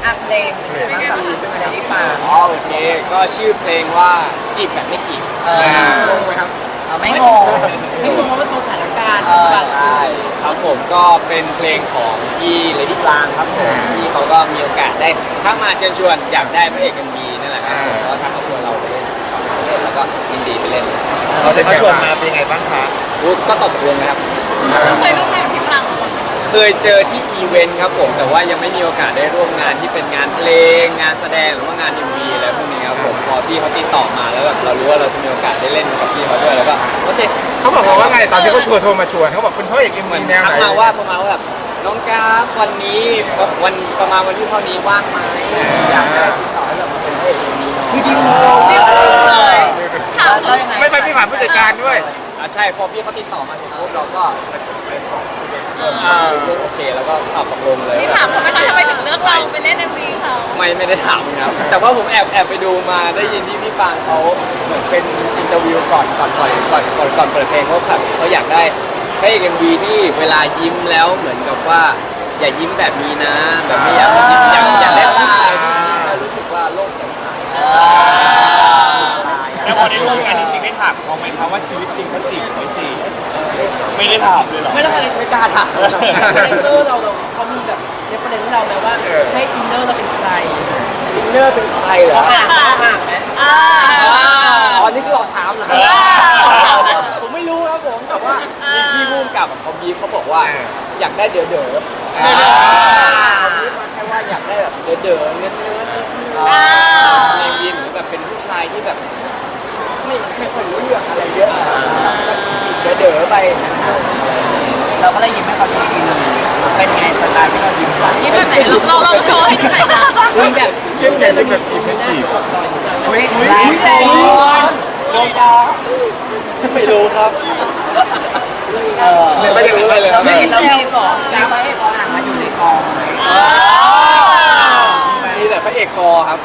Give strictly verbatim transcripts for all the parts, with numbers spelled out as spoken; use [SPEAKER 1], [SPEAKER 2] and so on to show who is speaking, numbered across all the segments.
[SPEAKER 1] อ่ะเพลงเป็นไงบ้างกับเพลงที่ฟัง
[SPEAKER 2] อ๋อโอเคก็ชื่อเพลงว่าจีบแบบไม่จีบงงไหมครับ
[SPEAKER 1] ไม่งงไม่งงเพราะว่าตัวสถานการณ์
[SPEAKER 2] ใช่ครับผมก็เป็นเพลงของพี่เลดี้ปรางครับผมที่เขาก็มีโอกาสได้ทักมาเชิญชวนอยากได้พระเอกเอ็มวีนั่นแหละครับผมก็ทักมาชวนเราไปเล่นเล่นแล้วก็ยินดีไปเล่น
[SPEAKER 3] เราได้ชวนมาเป็นยังไงบ้างคะ
[SPEAKER 2] ก็ตอบตกลงนะครับ
[SPEAKER 4] เคยร่วมงานกับพี่ปรางมาก่อน
[SPEAKER 2] เคยเจอที่อีเวนต์ครับผมแต่ว่ายังไม่มีโอกาสได้ร่วมงานที่เป็นงานเพลงงานแสดงหรือว่างาน เอ็ม วีอะไรพวกนี้ครับผมพอพี่เขาติดต่อมาแล้วแบบเรารู้ว่าเราจะมีโอกาสได้เล่นกับพี่เขาด้วยแล้วก็โอเค
[SPEAKER 3] เขาบอกว่าไงตอนที่เขาชวนโทรมาชวนเขาบอกเป็นพระเอกเอ็ม
[SPEAKER 2] เหมื
[SPEAKER 3] วี
[SPEAKER 2] อน
[SPEAKER 3] แนวไหน
[SPEAKER 2] ทักมาว่าประมาณว่าแบบน้องกราฟวันนี้วันประมาณวันที่เท่านี้ว่างไหมอยากได้ติดต่อให้เรามาเป็นพระเอกเอ็มวีน้อง
[SPEAKER 1] คือดิว
[SPEAKER 4] เลยถามเลย
[SPEAKER 3] ไม่ไปพี่ผ่านผู้จัดการด้วย
[SPEAKER 2] อ่าใช่พอพี่เขาติดต่อมาเสร็จปุ๊บเราก็ไปไปขอโอเคแล้วก็ตอบตกลงเลย
[SPEAKER 4] พี่ถามทำไมทำไมถึงเลือกเราไปเล่นเอ็มวีเขา
[SPEAKER 2] ไม่ไม่ได้ถามครับแต่ว่าผมแอบแอบไปดูมาได้ยินที่พี่ปางเขาเหมือนเป็นอินเตอร์วิวก่อนก่อนปล่อยก่อนก่อนก่อนเปิดเพลงเขาแบบเขาอยากได้ให้เอ็มวีที่เวลายิ้มแล้วเหมือนกับว่าอย่ายิ้มแบบนี้นะแบบไม่อยากยิ้มอยากอยากได้ผู้ชายที่รู้สึกว่าโลกสดใส
[SPEAKER 5] แล้วพอได้ร่วมงานจริงๆได้ถามเขาไหมครับว่าชีวิตจริงเขาจีบไม่จีบไม่ได้ถามเลยหรอ
[SPEAKER 1] ไม่แล้วใครไม่กล้าถามคาแรคเตอร์เราเราเขามีแบบเรฟเฟอเรนซ์เราไหมว่าให้อินเนอร์เราเป็นใคร
[SPEAKER 2] อินเนอร์เป็นใครเหรอ
[SPEAKER 1] อ่านอ่านไหม
[SPEAKER 4] อ่า
[SPEAKER 2] อ๋อนี่คือหลอกถามเหรอผมไม่รู้ครับผมแต่ว่าพี่พุ่มกับเขาบีบเขาบอกว่าอยากได้เด๋อเด๋อเขาบีบมาแค่ว่าอยากได้แบบเด๋อเด๋อเนื้อเนื้อในวีนหรือแบบเป็นผู้ชายที่แบบไม่ไม่ค่อยรู้เรื่องอะไรเยอะเด๋อเด๋อไป
[SPEAKER 1] เราก็เลยยิ้มให้เขาทีนึงเป็นไงสไตล์ที่เรายิ้มไป
[SPEAKER 4] ยิ้มแบบไหนเราเราโชว์ให้ดูหน่อยนะ
[SPEAKER 1] ยิ้มแบบ
[SPEAKER 3] ยิ้มใหญ่เลยแบบจีบไม่จีบ
[SPEAKER 1] อุ้ยแรงแรงโดนดอ
[SPEAKER 2] ไม่รู้ครับ
[SPEAKER 1] เออ
[SPEAKER 3] ไม่ได้รู้เลยครับ
[SPEAKER 1] ไม่เซลก่อนการพระเอกกออ่างมาอยู่ในกอง
[SPEAKER 2] มีแต่พระเอกกอครับ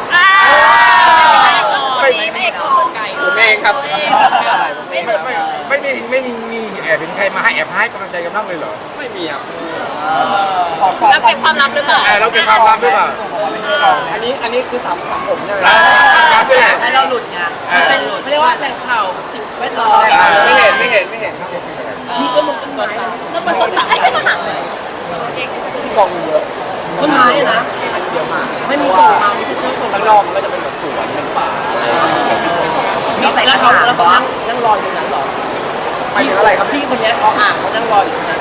[SPEAKER 4] ไม่ไม่เอกโกไก่
[SPEAKER 2] ผมเองครับ
[SPEAKER 3] ไม่ไม่ไม่มีไม่มีมีแอบเป็นใครมาให้แอบให้กำลังใจกันบ้างเลยเหรอ
[SPEAKER 2] ไม่มีครับ
[SPEAKER 4] เราเก็บความลับหรือเปล่า
[SPEAKER 3] เราเก็บความลับหรือเปล่า
[SPEAKER 2] อันนี้อันนี้คือสามสามผมใช่ไหม
[SPEAKER 3] ครับใช่
[SPEAKER 1] ให้เราหลุดไงเป็นหลุดเขาเรียกว่าแหล่งข่าวสิ่งแวดล้อม
[SPEAKER 2] ไม่เห็นไม่เห็นไม่เห็นครับ
[SPEAKER 1] นี่ก็มึงต้นไม้
[SPEAKER 4] ต้นไม้ต้นไม้
[SPEAKER 2] ที่กองเยอะ
[SPEAKER 1] ต้นไม้นะ
[SPEAKER 2] เยอะมาก
[SPEAKER 1] ไม่มีส่งมาไม่ใช่ต้นส่ง
[SPEAKER 2] ข้างนอกมันก็จะเป็นแบบสวนเป็นป่า
[SPEAKER 1] มีใส่แล้วเขาแล้วเขานั่งนั่งรออยู่นั้นหรอ
[SPEAKER 2] ไปถึงอะไรครับ
[SPEAKER 1] พี่คนนี้เขาอ่างเขานั่งรออยู่นั้น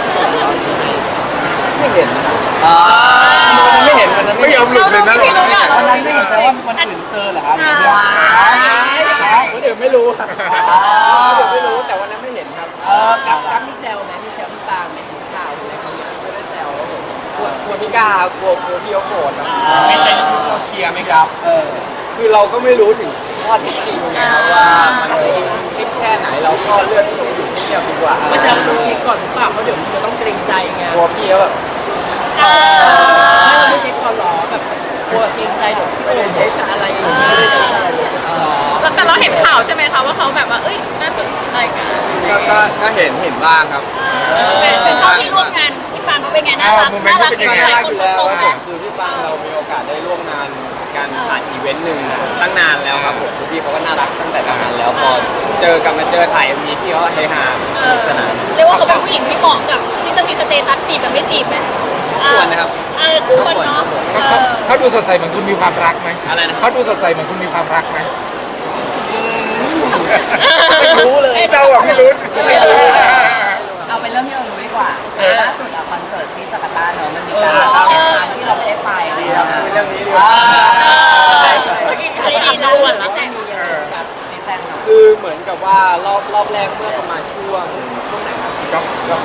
[SPEAKER 2] ไม่เห็นอ่าไม่เห็นมัน
[SPEAKER 3] ไม่ยอมหลุดเลยนะ
[SPEAKER 1] วันนั้นไม่เห็นแต่ว่าวันอื่นเจอเหรอครับ
[SPEAKER 2] คนอื่นไม่รู้ครับคนอื่นไม่รู้แต่วันนั้นไม่เห็นครับ
[SPEAKER 1] เออกับกับมีเซลไหมมีเซลพี่ปางไหมถึงข่าวอะไรเขา
[SPEAKER 2] ไม่ได้แซวกลัวกลัวพี่กล้ากลัวกลัวพี่เขาโกรธครับ
[SPEAKER 5] ไม่ใจลึกๆเราเชียร์ไหมครับ
[SPEAKER 2] เออคือเราก็ไม่รู้ถึงข้อเท็จจริงนะครับว่ามันจริงคิดแค่ไหนเราก็เลือกที่จะอยู่ที่เดียวดีกว่า
[SPEAKER 1] ไม่จะต้องเช็คก่อนหรือเปล่าเพราะเดี๋ยวมันจะต้องเกรงใจไง
[SPEAKER 2] กลัวพี่เขาแบบ
[SPEAKER 1] ไม่เราไม่เช็คก่อนหรอแบบกลัวเกรงใจเดี๋ยวไม่ได้เช็คอะไรอย่างเงี้ย
[SPEAKER 4] แต่เราเห็นข่าวใช่ไหมคะว่าเขาแบบว่าเอ้ยน่าสนใจกัน
[SPEAKER 2] ก็ก็เห็นเห็นบ้างครับ
[SPEAKER 4] เป็นเขาที่ร่วมงานพี่ปางเขาเป็นไงน่ารักน่ารัก
[SPEAKER 2] น่ารักอยู่แล้วคือพี่ปางเรามีโอกาสได้ร่วมงานการผ่านอีเวนต์หนึ่งตั้งนานแล้วครับผมพี่เขาก็น่ารักตั้งแต่ตอนนั้นแล้วพอเจอกันมาเจอถ่ายมีพี่เขาเฮฮาสนาน
[SPEAKER 4] เรียกว่าเขาเป็นผู้หญิงที่เหมาะกับที่จะมีสเตตัสจีบแบบไม่จีบไหม
[SPEAKER 2] ควรนะครับ
[SPEAKER 4] เออควรเนาะ
[SPEAKER 3] เขาดูสดใสเหมือนคุณมีความรักไหม
[SPEAKER 2] อะไรนะ
[SPEAKER 3] เขาดูสดใสเหมือนคุณมีความรักไหม
[SPEAKER 2] ไม่รู้เลย
[SPEAKER 3] เราอะไม่รู้ไม่รู้
[SPEAKER 1] เอาเป็นเรื่องที่เรารู้ดีกว่าล่าสุดอะคอนเสิร์ตที่จาการ์ตาเนอะมันมีการที่เราไม่ได้ไปอะไรอย่างเงี้ย
[SPEAKER 2] เรื่องนี้ดีกว่า
[SPEAKER 4] เราหวั่นแล้วแต่
[SPEAKER 2] คือเหมือนกับว่ารอบรอบแรกเมื่อประมาณช่วงช่วงไหนครับ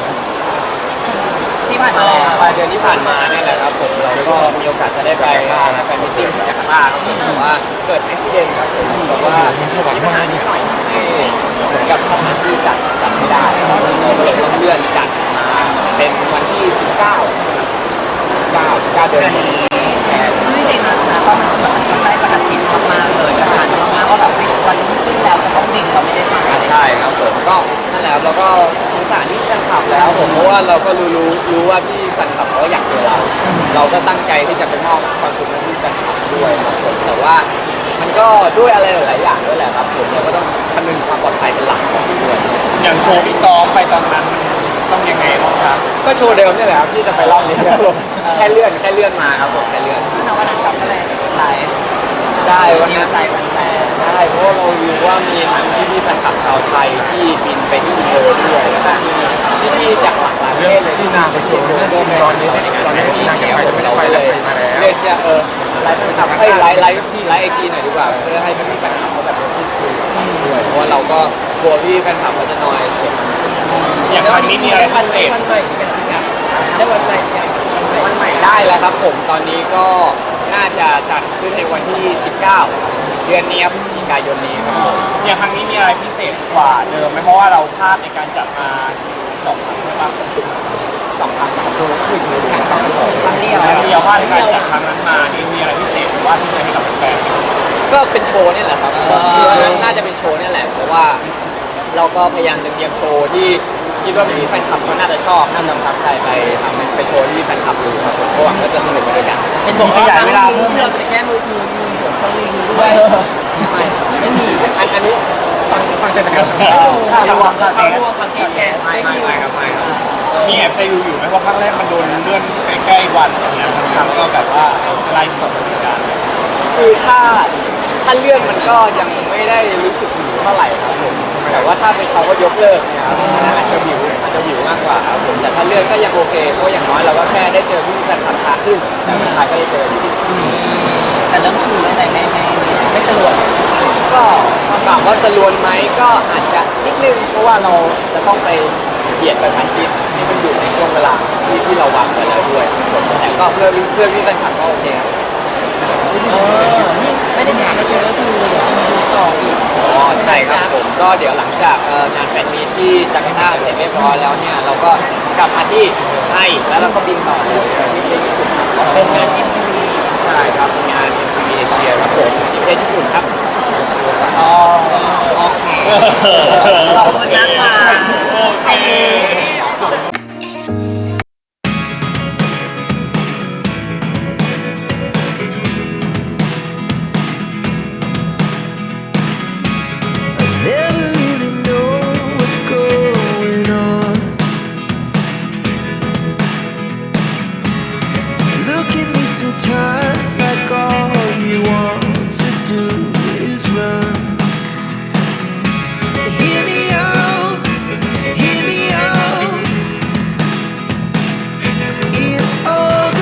[SPEAKER 1] ที่ผ่านมา
[SPEAKER 2] ปลายเดือนที่ผ่านมาเนี่ยแหละครับผมเราก็มีโอกาสจะได้ไปแฟนมิตติ้งที่จาการ์ตาครับผมแต่ว่าเกิดอุบิเหตุครับผมแบบว่ามีปัญหานิดหน่อยที่เหมือนกับสถานที่จัดจัดไม่ได้ก็เลยต้องเลื่อนจัดมาเป็นวันที่สิบเก้า เก้า เก้าเดือนนี้
[SPEAKER 1] จริงๆนะตอนนั้นมันได้กระชินมากๆเลยกระชันมากๆว่าแบบวันรุ่งขึ้นแล้วจะต้องดิ่งเราไม่ได้มา
[SPEAKER 2] ใช่ครับผมก็นั่นแหละเราก็สารที่แฟนคลับแล้วผมเพราะว่าเราก็รู้รู้รู้ว่าที่แฟนคลับเขาอยากเจอเรา เราก็ตั้งใจที่จะไปมอบความสุขให้ที่แฟนคลับด้วยครับผมแต่ว่ามันก็ด้วยอะไรหลายๆอย่างด้วยแหละครับผมเราก็ต้องคำนึงความปลอดภัยเป็นหลักของด้วย
[SPEAKER 5] อย่างโชว์ที่ซ้อมไปตอนนั้นต้องยังไงบ้างครับ
[SPEAKER 2] ก็โชว์เดิมนี่แหละครับที่จะไปรอบนี้ครับผมแค่เลื่อนแค่เลื่อนมาครับผมแค่เลื่อน
[SPEAKER 1] ซึ่งในวันนั้นกับก็เลยไลฟ์
[SPEAKER 2] ได้วัน
[SPEAKER 1] มี
[SPEAKER 2] นั้น
[SPEAKER 1] ใจแฟน
[SPEAKER 2] ใช่เพราะว่าเรารู้ว่ามีทั้งที่พี่ๆแฟนคลับชาวไทยที่บินไปที่อินโดด้วยแล้วก็มีพี่ๆจากหลากหลายประ
[SPEAKER 3] เรื่
[SPEAKER 2] เท
[SPEAKER 3] อง
[SPEAKER 2] ศเลย
[SPEAKER 3] ที่นางไปโชว์เรื่องที่ตอนนี้ตอนนี้ที่นางจะไปจะไม่ได้ไปแล้วไปมาแล้ว
[SPEAKER 2] เลือกจะเออไลฟ์แฟนคลับให้ไลฟ์ไลฟ์ที่ไลฟ์ไอจีหน่อยดีกว่าเพื่อให้พี่ๆแฟนคลับเขาแบบพูดคุยด้วยเพราะว่าเราก็กลัวพี่แฟนคลับเขาจะนอยเสียง
[SPEAKER 5] อย่างครั้งนี้มีอะไรพิเศษ
[SPEAKER 1] วันใหม่กันนะได้วันใหม่กัน
[SPEAKER 2] วันใหม่ได้แล้วครับผมตอนนี้ก็น่าจะจัดขึ้นในวันที่ สิบเก้า เดือนนี้ครับพฤศจิกายนนี้ครับผม
[SPEAKER 5] อย่างครั้งนี้มีอะไรพิเศษกว่าเดิมไหมเพราะว่าเราพลาดในการจัดมาสองครั้งใช่ปะ
[SPEAKER 2] สองพันสามตัวคือชูแข่งสองผม
[SPEAKER 1] ครั้งเดียว
[SPEAKER 5] ครั้งเดียวพลาดในการจัดครั้งนั้นมานี่มีอะไรพิเศษหรือว่าที่จะให้กับแฟน
[SPEAKER 2] ก็เป็นโชว์นี่แหละครับคือน่าจะเป็นโชว์นี่แหละเพราะว่าเราก็พยายามจะเตรียมโชว์ที่คิดว่าพี่แฟนคลับเขาน่าจะชอบน่าจะประทับใจไปทำไปโชว์ที่แฟนคลับดูครับผมก็หวังว่าจะสนุกไปด้วยกัน
[SPEAKER 1] เป็นผมขยายเวลาเพิ่มเราจะแก้มือถือมีหัวสลิงด้วย
[SPEAKER 2] ไม่ไม่มีอันอันนี้ฟังฟังกันนะครับ
[SPEAKER 1] ข่าวรวมข่าวรวมคอนเทนต์แก
[SPEAKER 2] ไม่ไม่ไม่ครับไม่ครับ
[SPEAKER 5] มีแอบใจอยู่อยู่ไหมว่าครั้งแรกมันโดนเลื่อนใกล้ๆวันอย่างเงี้ยทำก็แบบว่าไล่ตกเหมือนกัน
[SPEAKER 2] คือถ้าถ้าเลื่อนมันก็ยังไม่ได้รู้สึกหิวเท่าไหร่ครับผมแต่ว่าถ้าเป็นเขาก็ยกเลิกเนี่ยครับอันนั้นอาจจะหิวอาจจะหิวมากกว่าครับผมแต่ถ้าเลื่อนก็ยังโอเคเพราะอย่างน้อยเราก็แค่ได้เจอพี่แฟนคลับช้าขึ้นแต่สุดท้ายก็ได้เจออยู่ดี
[SPEAKER 1] แต่เรื่องคือไม่ไหนไม่ไม่ไม่สะดวก
[SPEAKER 2] ก็ถามว่าสลวนไหมก็อาจจะนิดนึงเพราะว่าเราจะต้องไปเบียดกระชั้นชิดที่มันอยู่ในช่วงเวลาที่ที่เราวางไว้แล้วด้วยแต่ก็เพื่อเพื่อพี่แฟนคลับก็โอเคครับ
[SPEAKER 1] เออนี่ไม่ได้มีอะไรเยอะก็คือเดี๋ยวจะมาดูต่ออีก
[SPEAKER 2] อ๋อใช่ครับผมก็เดี๋ยวหลังจากเอ่องานแฟนมีตที่จาการ์ตาเสร็จเรียบร้อยแล้วเนี่ยเราก็กลับมาที่ไทยแล้วเราก็บินต่อเลยที่ประเทศญี่ปุ่นครับ
[SPEAKER 1] เป็นงาน เอ็ม ที วี
[SPEAKER 2] ใช่ครับงาน เอ็ม ที วี Asia ครับผมที่ประเทศญี่ปุ่นครับ
[SPEAKER 1] อ๋อโอเคขอบคุณนะคะ
[SPEAKER 5] โอเค